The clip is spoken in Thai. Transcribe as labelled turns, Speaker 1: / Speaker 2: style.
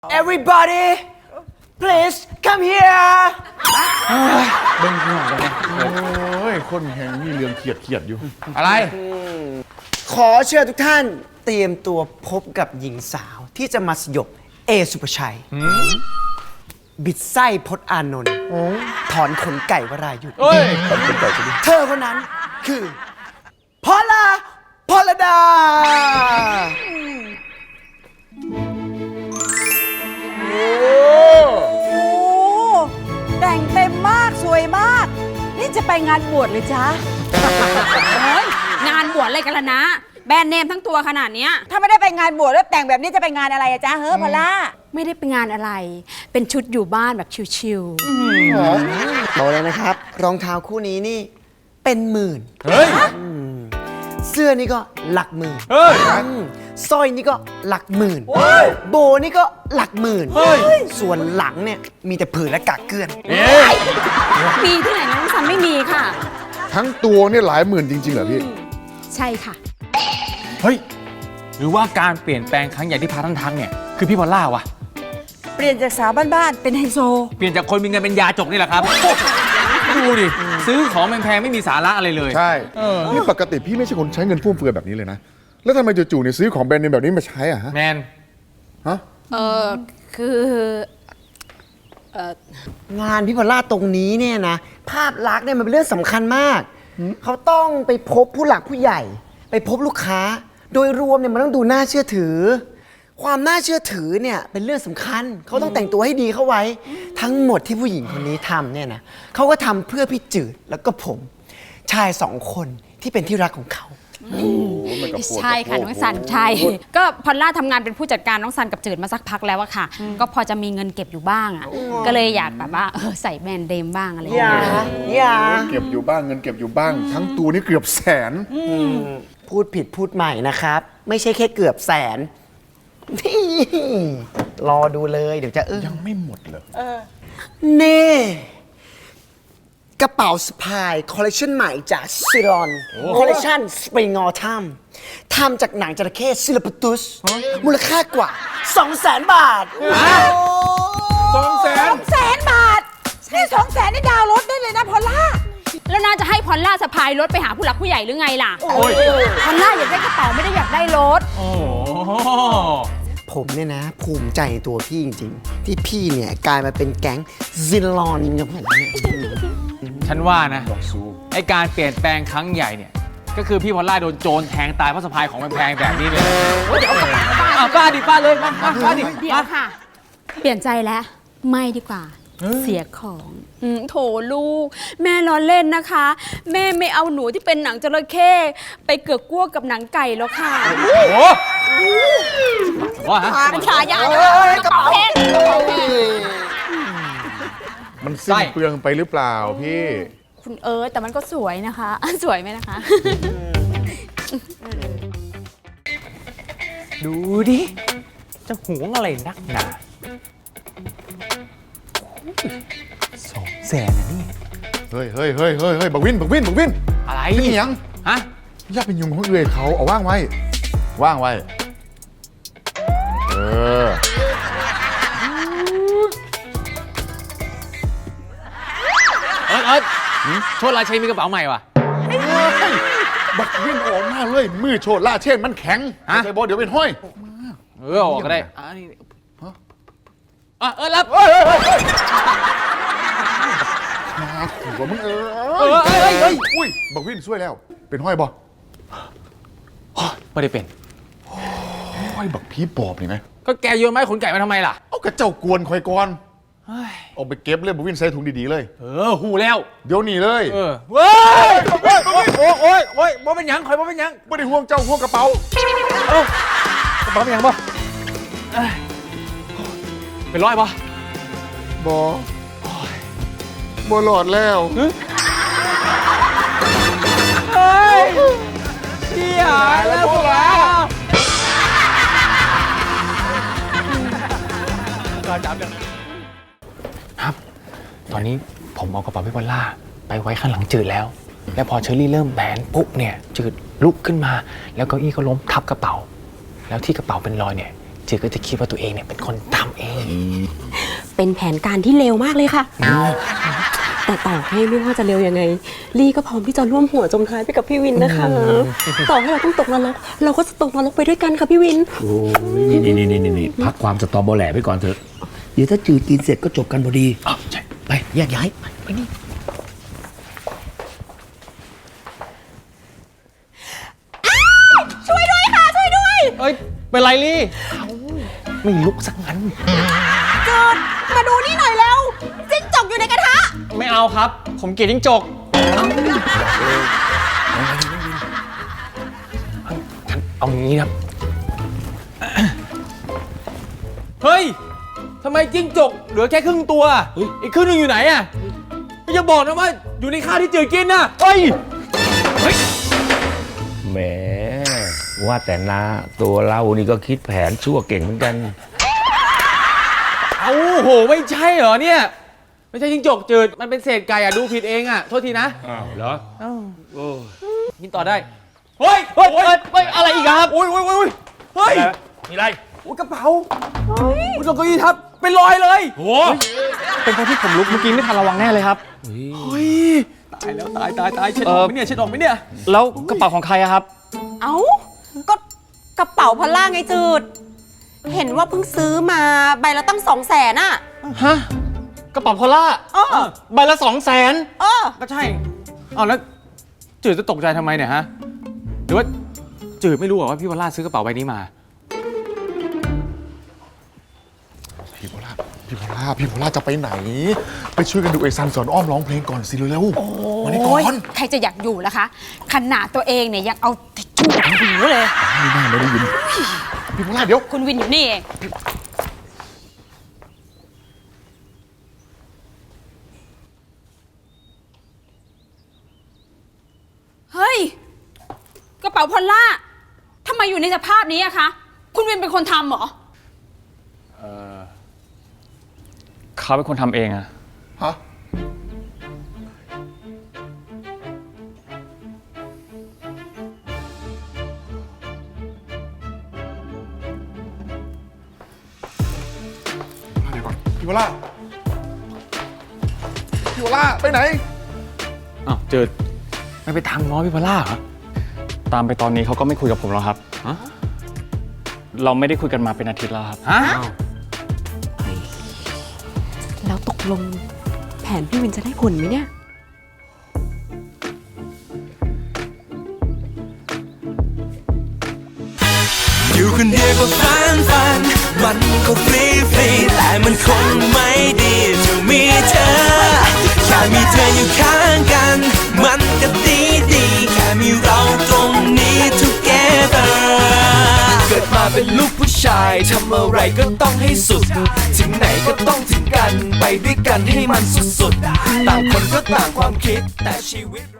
Speaker 1: Everybody please come here
Speaker 2: เบิ้งหัวกันเนี่ย
Speaker 3: โอ้ยคนแหงมีเรื่องเขียดอยู่
Speaker 2: อะไร
Speaker 1: ขอเชิญทุกท่านเตรียมตัวพบกับหญิงสาวที่จะมาสยบเอสุภชัย บิดไส้พจน์อานนท์ถอนขนไก่วรายุทธ์
Speaker 2: เฮ้ย
Speaker 1: เธอคนนั้นคือพลดา
Speaker 4: โอ้แต่งเต็มมากสวยมาก นี่จะไปงานบวชเลยจ๊ะ
Speaker 5: เฮ้ยงานบวชอะไรกันล่ะนะ แบรนด์เนมทั้งตัวขนาดเนี้ย
Speaker 4: ถ้าไม่ได้ไปงานบวชแล้วแต่งแบบนี้จะไปงานอะไรอะจ๊ะเฮ้อพอลล่า
Speaker 5: ไม่ได้ไปงานอะไร เป็นชุดอยู่บ้านแบบชิว
Speaker 1: บอกเลยนะครับ รองเท้าคู่นี้นี่เป็นหมื่น
Speaker 2: เฮ้ย
Speaker 1: เสื้อนี่ก็หลักหมื่น
Speaker 2: เฮ้ย
Speaker 1: สร้อยนี่ก็หลักหมื่น โบนี่ก็หลักหมื่น
Speaker 2: เฮ้ย
Speaker 1: ส่วนหลังเนี่ยมีแต่ผืนและกากเกลื่อน
Speaker 5: ๆ มีที่ไหนน้องซันไม่มีค่ะ
Speaker 3: ทั้งตัวเนี่ยหลายหมื่นจริงๆเหรอพี่
Speaker 5: ใช่ค่ะ
Speaker 2: เฮ้ย หรือว่าการเปลี่ยนแปลงครั้งใหญ่ที่พาท่านทักเนี่ย คือพี่พอลล่าวะ
Speaker 4: เปลี่ยนจากสาวบ้านๆเป็นไฮโซ
Speaker 2: เปลี่ยนจากคนมีเงินเป็นยาจกนี่แหละครับ ดูดิ ซื้อของแพงๆไม่มีสาระอะไรเลย
Speaker 3: ใช่นี่ปกติพี่ไม่ใช่คนใช้เงินฟุ่มเฟือยแบบนี้เลยนะ แล้วทำไมจู่ๆเนี่ยซื้อของแบรนด์เนมแบบนี้มาใช้อ่ะฮะ
Speaker 2: แมน
Speaker 3: ฮะ
Speaker 5: คือ
Speaker 1: งานพี่พอลล่าตรงนี้เนี่ยนะ ภาพลักษณ์เนี่ยมันเป็นเรื่องสำคัญมาก เขาต้องไปพบผู้หลักผู้ใหญ่ ไปพบลูกค้า โดยรวมเนี่ยมันต้องดูน่าเชื่อถือ ความน่าเชื่อถือเนี่ยเป็นเรื่องสำคัญ เขาต้องแต่งตัวให้ดีเข้าไว้ ทั้งหมดที่ผู้หญิงคนนี้ทำเนี่ยนะเขาก็ทำเพื่อพี่จืดแล้วก็ผม ชายสองคนที่เป็นที่รักของเขา
Speaker 5: ใช่ค่ะน้องซันใช่ ก็พอลล่าทำงานเป็นผู้จัดการน้องซันกับจืดมาสักพักแล้วอะค่ะ ก็พอจะมีเงินเก็บอยู่บ้างอะก็เลยอยากแบบว่าใส่แบรนด์เดมบ้างอะไรอย่าง
Speaker 1: อย่า
Speaker 5: เงี้ย
Speaker 1: อย่า
Speaker 3: เก็บอยู่บ้างเงินเก็บอยู่บ้าง ทั้งตัวนี่เกือบแสน
Speaker 1: พูดผิดพูดใหม่นะครับ ไม่ใช่แค่เกือบแสนนี่รอดูเลยเดี๋ยวจะ
Speaker 3: ยังไม่หมดเลย
Speaker 1: เน่กระเป๋าสะพายคอลเลคชันใหม่จากซิลอนคอลเลคชันสปริงออทัมทำจากหนังจระเข้ซิลปตุสมูลค่ากว่า 200,000 บาท
Speaker 4: 200,000 บาทนี่200,000นี่ดาวน์รถได้เลยนะพอลล่า
Speaker 5: แล้วน่าจะให้พอลล่าสะพายรถไปหาผู้หลักผู้ใหญ่หรือไงล่ะ
Speaker 2: โอ้ย
Speaker 5: พอลล่าอยากได้กระเป๋าไม่ได้อยากได้รถ
Speaker 2: โอ้โห
Speaker 1: ผมเนี่ยนะ ภูมิใจในตัวพี่จริงๆ ที่พี่เนี่ยกลายมาเป็นแก๊งซิลอนกับผมเนี่ย
Speaker 2: ฉันว่านะไอการเปลี่ยนแปลงครั้งใหญ่เนี่ย ก็คือพี่พอลล่าโดนโจรแทงตายเพราะสะพายของแพงๆแบบนี้เลยป้าดิป้าเลยมาป้าดิ
Speaker 5: เดี๋ยวค่ะ เปลี่ยนใจแล้ว ไม่ดีกว่า เสียของโถลูก แม่ล้อเล่นนะคะ แม่ไม่เอาหนูที่เป็นหนังจระเข้ไปเกือกกลั้วกับหนังไก่แล้วค่ะ
Speaker 2: โอ้โหว่าฮะ
Speaker 5: เป็นฉายาเกระเป๋าแพง
Speaker 3: มันสิ้นเปลืองไปหรือเปล่าพี่
Speaker 5: คุณแต่มันก็สวยนะคะ สวยไหมนะคะ
Speaker 2: ดูดิ จะหวงอะไรนักหนา200,000นะนี่
Speaker 3: เฮ้ยบักวิน
Speaker 2: อะไร
Speaker 3: เป็นหยัง
Speaker 2: ฮะ
Speaker 3: อย่าเป็นยุงของเอื่อยเขาเอาว่างไว้ ว่างไว้ เออ
Speaker 2: โชดราชัยมีกระเป๋าใหม่ว่ะ
Speaker 3: บักวินออกมาเลย มือโชดล่าเช่นมันแข็ง
Speaker 2: ฮะ
Speaker 3: ใส่บอลเดี๋ยวเป็นห้อย
Speaker 2: ออกก็ได้นี่รับ
Speaker 3: มาขู่ว่ามึง
Speaker 2: เฮ้ย
Speaker 3: อุ้ยบักวินช่วยแล้ว เป็นห้อยบอ
Speaker 2: ไม่ได้เป็น
Speaker 3: ห้อยบักผีปอบนี่ไหม
Speaker 2: ก็แกโยนไม้ขนไก่มาทำไมล่ะ
Speaker 3: เอากระเจ้ากวนคอยก่อนเอาไปเก็บเลยบักวินใส่ถุงดีๆเลย
Speaker 2: หูแล้ว
Speaker 3: เดี๋ยวนี้เลย
Speaker 2: เว้ยโอ้ยบ่เป็นหยังคอยบ่เป็นหยัง
Speaker 3: ไม่ได้ห่วงเจ้าห่วงกระเป๋า
Speaker 2: กระเป๋าเป็นหยังบ่เป็นร้อยบ่
Speaker 3: บอหลอดแล้ว
Speaker 2: เฮ้ยเชี่ยแล้วพวกเราครับ ตอนนี้ผมเอากระเป๋าพี่พอลล่าไปไว้ข้างหลังจืดแล้ว แล้วพอเชอรี่เริ่มแบนปุ๊บเนี่ยจืดลุกขึ้นมา แล้วเก้าอี้ก็ล้มทับกระเป๋า แล้วที่กระเป๋าเป็นรอยเนี่ยจืดก็จะคิดว่าตัวเองเนี่ยเป็นคนทำเอง
Speaker 6: เป็นแผนการที่เลวมากเลยค่ะ แต่ต่อให้ไม่ว่าจะเร็วยังไง ลี่ก็พร้อมที่จะร่วมหัวจมท้ายไปกับพี่วินนะคะ ต่อให้เราต้องตกนรกเราก็จะตกนรกไปด้วยกันค่ะพี่วิน
Speaker 7: โอ้ยนี่พักความสตอเบอแหล่ไปก่อนเถอะ เดี๋ยวถ้าจืดกินเสร็จก็จบกันพอดี
Speaker 2: อ้าวใช่
Speaker 7: ไปแยกย้ายไปนี่
Speaker 6: ช่วยด้วยค่ะ ช่วยด้วย
Speaker 2: เอ้ย เป็นไรลี่ไม่ลุกสักงั้น
Speaker 6: จืดมาดูนี่หน่อยแล้วจิ้งจกอยู่ในกระทะ
Speaker 2: ไม่เอาครับ ผมเกลียดจิ้งจกเอางี้ครับ เฮ้ย ทำไมจิ้งจกเหลือแค่ครึ่งตัว อีกครึ่งหนึงอยู่ไหนอ่ะไม่จะบอกนะว่าอยู่ในข้าวที่จืดกินนะเฮ้ย
Speaker 7: แหมว่าแต่นาตัวเรานี่ก็คิดแผนชั่วเก่งเหมือนกัน
Speaker 2: เอาโห ไม่ใช่เหรอเนี่ย ไม่ใช่จิ้งจกจืด มันเป็นเศษไก่อ่ะ ดูผิดเองอ่ะ โทษทีนะ
Speaker 7: อ้าวเหรอ
Speaker 2: กินต่อได้ เฮ้ย เฮ้ย อะไรอีกอะครับ โอ้ยเฮ้ย
Speaker 7: มีอะไร
Speaker 2: โอ้ยกระเป๋าคุณลงเก้าอี้ทับ เป็นรอยเลย
Speaker 7: โห
Speaker 2: เป็นเพราะที่ผมลุกเมื่อกี้ไม่ทันระวังแน่เลยครับ เฮ้ย ตายแล้วตายเช็ดออกไหมเนี่ย เช็ดออกไหมเนี่ย
Speaker 8: แล้วกระเป๋าของใครอะครับ
Speaker 6: เอ้า ก็กระเป๋าพอลล่าไงจืด เห็นว่าเพิ่งซื้อมาใบละตั้ง200,000อ่ะ
Speaker 8: ฮะ กระเป๋าพอลล่า
Speaker 6: อ้อ
Speaker 8: ใบละ200,000
Speaker 6: เออ
Speaker 2: ก็ใช่ เอาแล้วจืดจะตกใจทำไมเนี่ยฮะ หรือว่าจืดไม่รู้เหรอว่าพี่วราชซื้อกระเป๋าใบนี้มา
Speaker 3: พี่โพล่าจะไปไหน ไปช่วยกันดูไอซันสอนอ้อมร้องเพลงก่อนสิเร็วๆมานี่ก่
Speaker 5: โอ้ย
Speaker 3: อน
Speaker 5: ใครจะอยากอยู่ล่ะคะ ขนาดตัวเองเนี่ยยังเอาทิชชู่อัดหูเลย
Speaker 3: ไม่น่าไม่ได้ยินพี่โพล่าเดี๋ยว
Speaker 5: คุณวินอยู่นี่เอง เฮ้ย กระเป๋าพอลล่าทำไมอยู่ในสภาพนี้อะคะ คุณวินเป็นคนทำเหรอ
Speaker 8: เขาเป็นคนทำเองอะ
Speaker 3: ฮะเดี๋ยวก่อนพี่โพล่าไปไหน
Speaker 2: อ้าวจืดไม่ไปทำง้อพี่วราชเหรอ
Speaker 8: ตามไปตอนนี้เขาก็ไม่คุยกับผมแล้วครับ
Speaker 2: ฮะ
Speaker 8: เราไม่ได้คุยกันมาเป็นอาทิตย์แล้วครับ
Speaker 2: ฮะ
Speaker 6: แล้วตกลงแผนพี่วินจะได้ผลไหมเนี่ย
Speaker 9: อยู่คนเดียวก็ฟันมันก็ฟรีแต่มันคงไม่ดีจะมีเธอ แค่มีเธออยู่ข้างกัน มันก็ดีแค่มีเราตรงนี้ together เกิดมาเป็นลูกผู้ชายทำอะไรก็ต้องให้สุด ถึงไหนก็ต้องถึงกัน ไปด้วยกันให้มันสุดๆ ต่างคนก็ต่างความคิดแต่ชีวิต